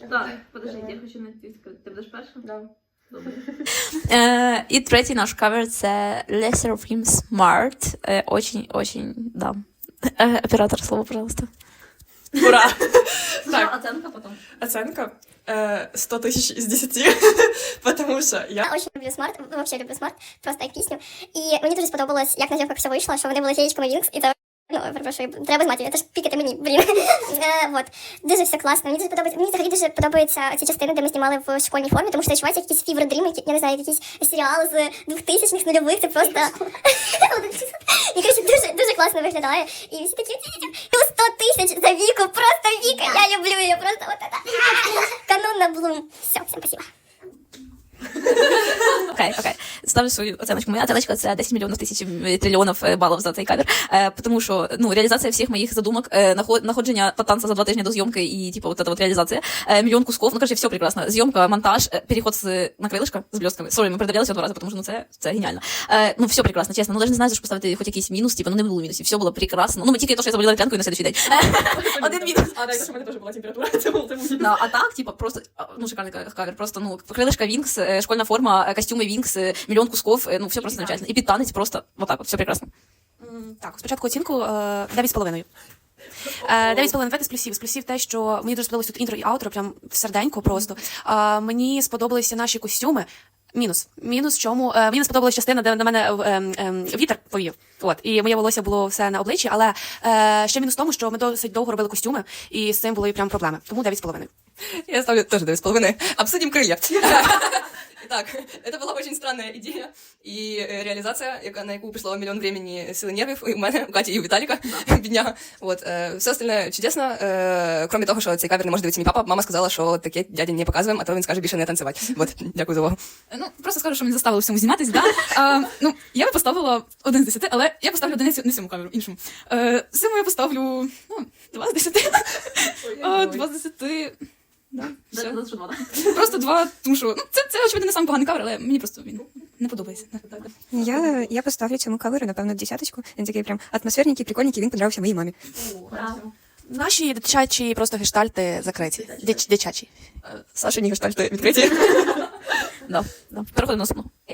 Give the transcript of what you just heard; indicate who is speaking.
Speaker 1: Так, подожди, я хочу знайти. Ти будеш перша?
Speaker 2: Да.
Speaker 1: Добре.
Speaker 3: І третій наш кавер – це Lesser of Him Smart. Очень, да. Оператор, слово, пожалуйста.
Speaker 2: Ура!
Speaker 1: Так. Оценка потім.
Speaker 2: Оценка 100 тысяч из 10, потому что я...
Speaker 4: Я очень люблю Смарт, вообще люблю Смарт, просто як пісню. І мені дуже сподобалось, як на зйомках все вийшло, що вони були феєчками Вінкс, і це, ну, перепрошую, треба знати, це ж пікати мені, блін. Вот. Дуже все класно, мені дуже подобається, мені взагалі дуже подобаються ці частини, де ми знімали в школьній формі, тому що відчувається якийсь фівер-дрім, я не знаю, якийсь серіал з 2000-х, нульових, це просто... І, коротше, дуже класно виглядає. І всі такі, плюс 100 тисяч за Віку, просто Віка, я люблю її, просто вот это. Канон на Блум. Все, всім спасибо.
Speaker 3: Окей. Ставлю свою оценочку. Моя оценочка – це 10 мільйонів тисяч трильйонів балів за цей кавер. Тому що, ну, реалізація всіх моїх задумок, находження танца за 2 тижні до зйомки і, типу, вот эта вот реализация, мільйон кусков, ну, короче, все прекрасно. Зйомка, монтаж, переход на крилишко з блістками. Сорі, ми передивлялися 2 рази, тому що, ну, це геніально. Ну, все прекрасно, чесно. Ну, навіть не знаю, за що поставити хоч якийсь мінус, типу, ну, не було мінусів. Все було прекрасно. Ну, тільки то, що я заболіла п'янкою на следующий день. Один мінус.
Speaker 2: А, да, это, что у меня тоже была температура, это был
Speaker 3: Да, а так, типа, просто, ну, шикарный кавер, просто, ну, крылышко Винкс, школьная форма, костюмы Винкс, миллион кусков, ну, все просто замечательно. И підтанець просто, вот так вот, все прекрасно.
Speaker 5: Так, спочатку оцінку 9,5. 9,5 давайте з плюсів. З плюсів те, що мені дуже сподобалось тут інтро і аутро, прям в серденько просто. Мені сподобалися наші костюми. Мінус в чому? Мені не сподобалась частина, де на мене вітер повів. От, і моє волосся було все на обличчі, але ще мінус в тому, що ми досить довго робили костюми, і з цим були прям проблеми. Тому 9,5.
Speaker 6: Я ставлю тоже 9,5. Обсудим крылья. Итак, это была очень странная идея и реализация, на яку пришло миллион времени, силы нервов и у мене, у Каті і у Віталіка, бідняга. Вот. Все остальное чудесно, кроме того, що цей кавер не може дивитися мій папа. Мама сказала, що таке дядя не показуємо, а то він скаже більше не танцювати. Вот, дякую за увагу.
Speaker 7: Ну, просто скажу, що мене заставили в цьому зніматись, да? Ну, я би поставила 1 з 10, але я поставлю одиницю не цьому камеру, іншому. Цьому я поставлю, ну, 2 з 10. 2 з 10. Да, все. Просто 2, тому що, ну, це очевидно, не сам поганий кавер, але мені просто він не подобається.
Speaker 8: Я поставлю цьому каверу, напевно, 10. Він такий прям атмосферненький, прикольненький, він подобався моїй мамі.
Speaker 5: Наші дитячі просто гештальти закриті. Дитячі.
Speaker 6: Сашині гештальти відкриті.
Speaker 3: Да. Переходимо до наступного.